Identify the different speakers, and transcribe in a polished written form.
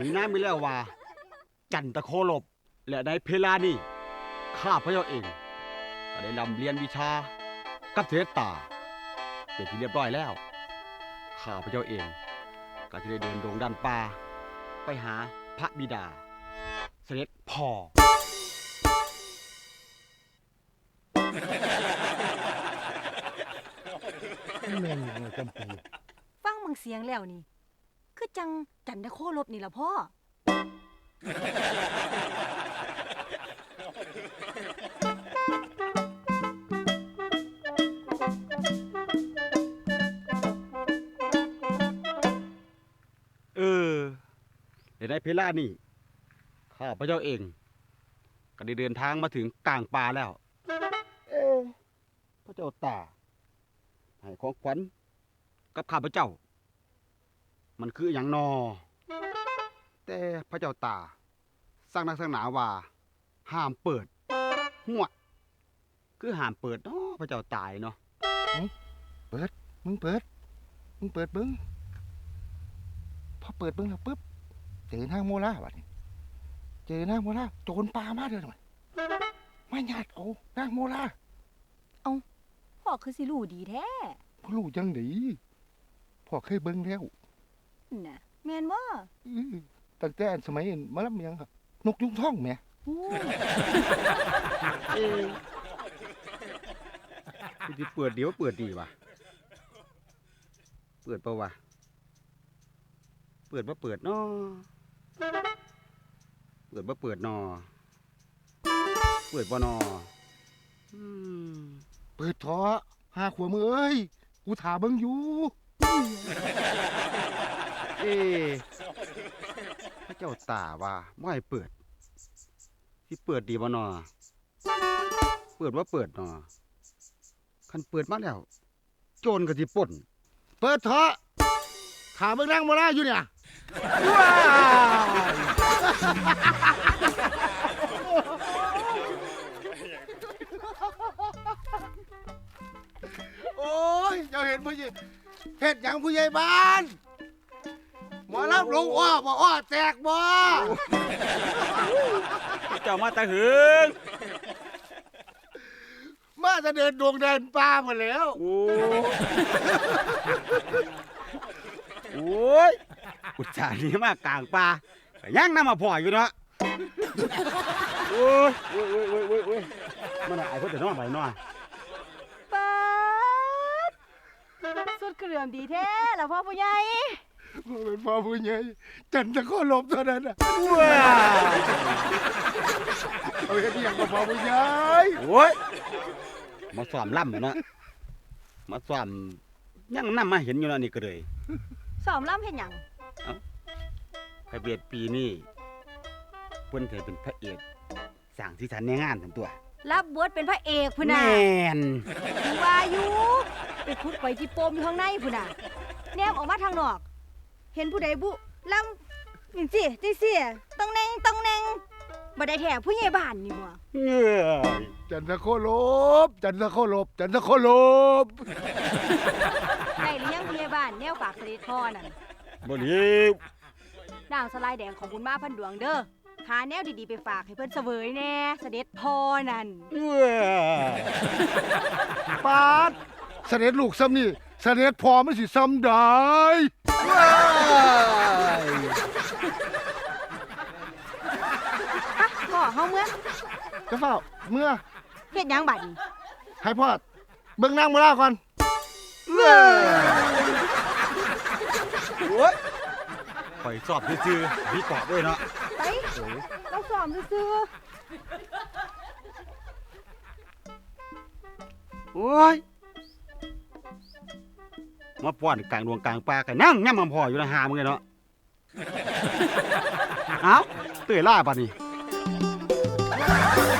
Speaker 1: มีน้ำมีแล้วว่าจันตะโคลบและในเพลานี่ข้าพระเจ้าเองก็ได้นำเรียนวิชากับเทศตาเป็นที่เรียบร้อยแล้วข้าพระเจ้าเองก็จะได้เดินดงดันป่าไปหาพระบิดาเสด็จพ่อ
Speaker 2: แม่นอย่างจำปี
Speaker 3: ฟังมังเสียงแล้วนี่คือจังจันทโคลบนี่ล่ะพ่อ
Speaker 1: ในเพลานี่ข้าพระเจ้าเองก็ได้เดินทางมาถึงกลางป่าแล้วพระเจ้าตาให้ของขวัญกับข้าพเจ้ามันคืออย่างนอแต่พระเจ้าตาสร้างนักสร้างหนาว่าห้ามเปิดหัวคือห้ามเปิดเนาะพระเจ้าตายเนาะ
Speaker 2: เปิดมึงเปิดบึ้งพอเปิดบึ้งแล้วปุ๊บเจอนางโมลาบัดนี้เจอนางโมลาโจรป่ามาเด้อหน่อยมาญาติเอานางโมลา
Speaker 3: พ่อคือสิรู้ดีแท้
Speaker 2: พ่อรู้จังได๋พ่อเคยเบิ่งแล้ว
Speaker 3: น่ะแม่นบ่
Speaker 2: ตั้งแต่สมัยมาลำยังครับนกยุงทองแหม
Speaker 1: ที่เปิดเดี๋ยวเปิดดีวะเปิดเปล่าวะเปิดบ่เปิดนอเปิดบ่เปิดนอเปิดบ่นอ
Speaker 2: เปิดเถาะหาขวมือเอ้ยกูถาเบิ่งอยู่
Speaker 1: พระเจ้าตาว่าบ่ให้เปิดที่เปิดดีบ่นอเปิดว่าเปิดนอคันเปิดมาแล้วโจรก็สิปล้น
Speaker 2: เปิดเถาะถาเบิ่งนางโมลาอยู่เนี่ยโอ้ยเจ้าเห็นผู้ใหญ่เฮ็ดหยังผู้ใหญ่บ้านหมอลำลงอ้อบ่อ้อแตกบ่
Speaker 1: เจ้ามาตะหึง
Speaker 2: มาจะเดินดวงเดินป่าหมดแล้ว
Speaker 1: โอ้ยอุตส่าห์นี้มากลางป่ายังนำมาพ่ออยู่เนาะโอ้ยมันไอ้คนจะนอนไปนอน
Speaker 3: ป๊าดสุดเครื่องดีแท้ล่ะพ่อผู้ใหญ่
Speaker 2: เป็นพ่อผู้ใหญ่จันทะโคลบเท่านั้นน่ะ
Speaker 1: ว้า
Speaker 2: เอาเฮ็ดอีหยังกับพ่อผู้ใหญ่
Speaker 1: โอ้ยมาซ้อมล่ำเนาะมาซ้อมยังนำมาเห็นอยู่แล้วนี่ก็เลย
Speaker 3: ซ้อมล่ำเฮ็ดหยัง
Speaker 1: พระเบียดปีนี้เพิ่นเคยเป็นพระเอกสร้างสีสันในงานทั้งตัว
Speaker 3: รับบทเป็นพระเอกพุ่นน่ะ
Speaker 1: แม่น
Speaker 3: ว่าอยู่ไปขุดไว้ที่โปมอยู่ข้างในพุ่นน่ะแนมออกมาทางนอกเห็นผู้ใดบุลำจังซี่ต้องแนงบ่ได้แท้ผู้ใหญ่บ้านนี่บ่
Speaker 2: จันทะโคลบได้ห
Speaker 3: รือยังผู้ใหญ่บ้านแนวฝากเสด็จพ่อนั่น
Speaker 1: บ่รีบ
Speaker 3: นางสลายแดงของบุญมาพันดวงเด้อหาแนวดีๆไปฝากให้เพิ่นเสวยแน่เสด็จพ่อนั่น
Speaker 2: ปาดเสด็จลูกซ้ำนี่เสด็จพ่อมันสิซ้ำได้
Speaker 3: พ่อเฮาเมื่อ
Speaker 2: จะเฝ้าเมื่อ
Speaker 3: เฮ็ดหยังบัดนี้
Speaker 2: ให้พ่อเบิ่งนางโมลาก่อน
Speaker 1: โอ้ยข่อยสอบซื่อๆพี่เกาะด้วยเนาะ
Speaker 3: ไปเราสอบซื่อ
Speaker 1: โอ้ยมาป้อนกลางดวงกลางป่ากันนั่งย่ำมันพออยู่นะหามึงเลยเนาะเอ้าเตยล่าป่ะนี่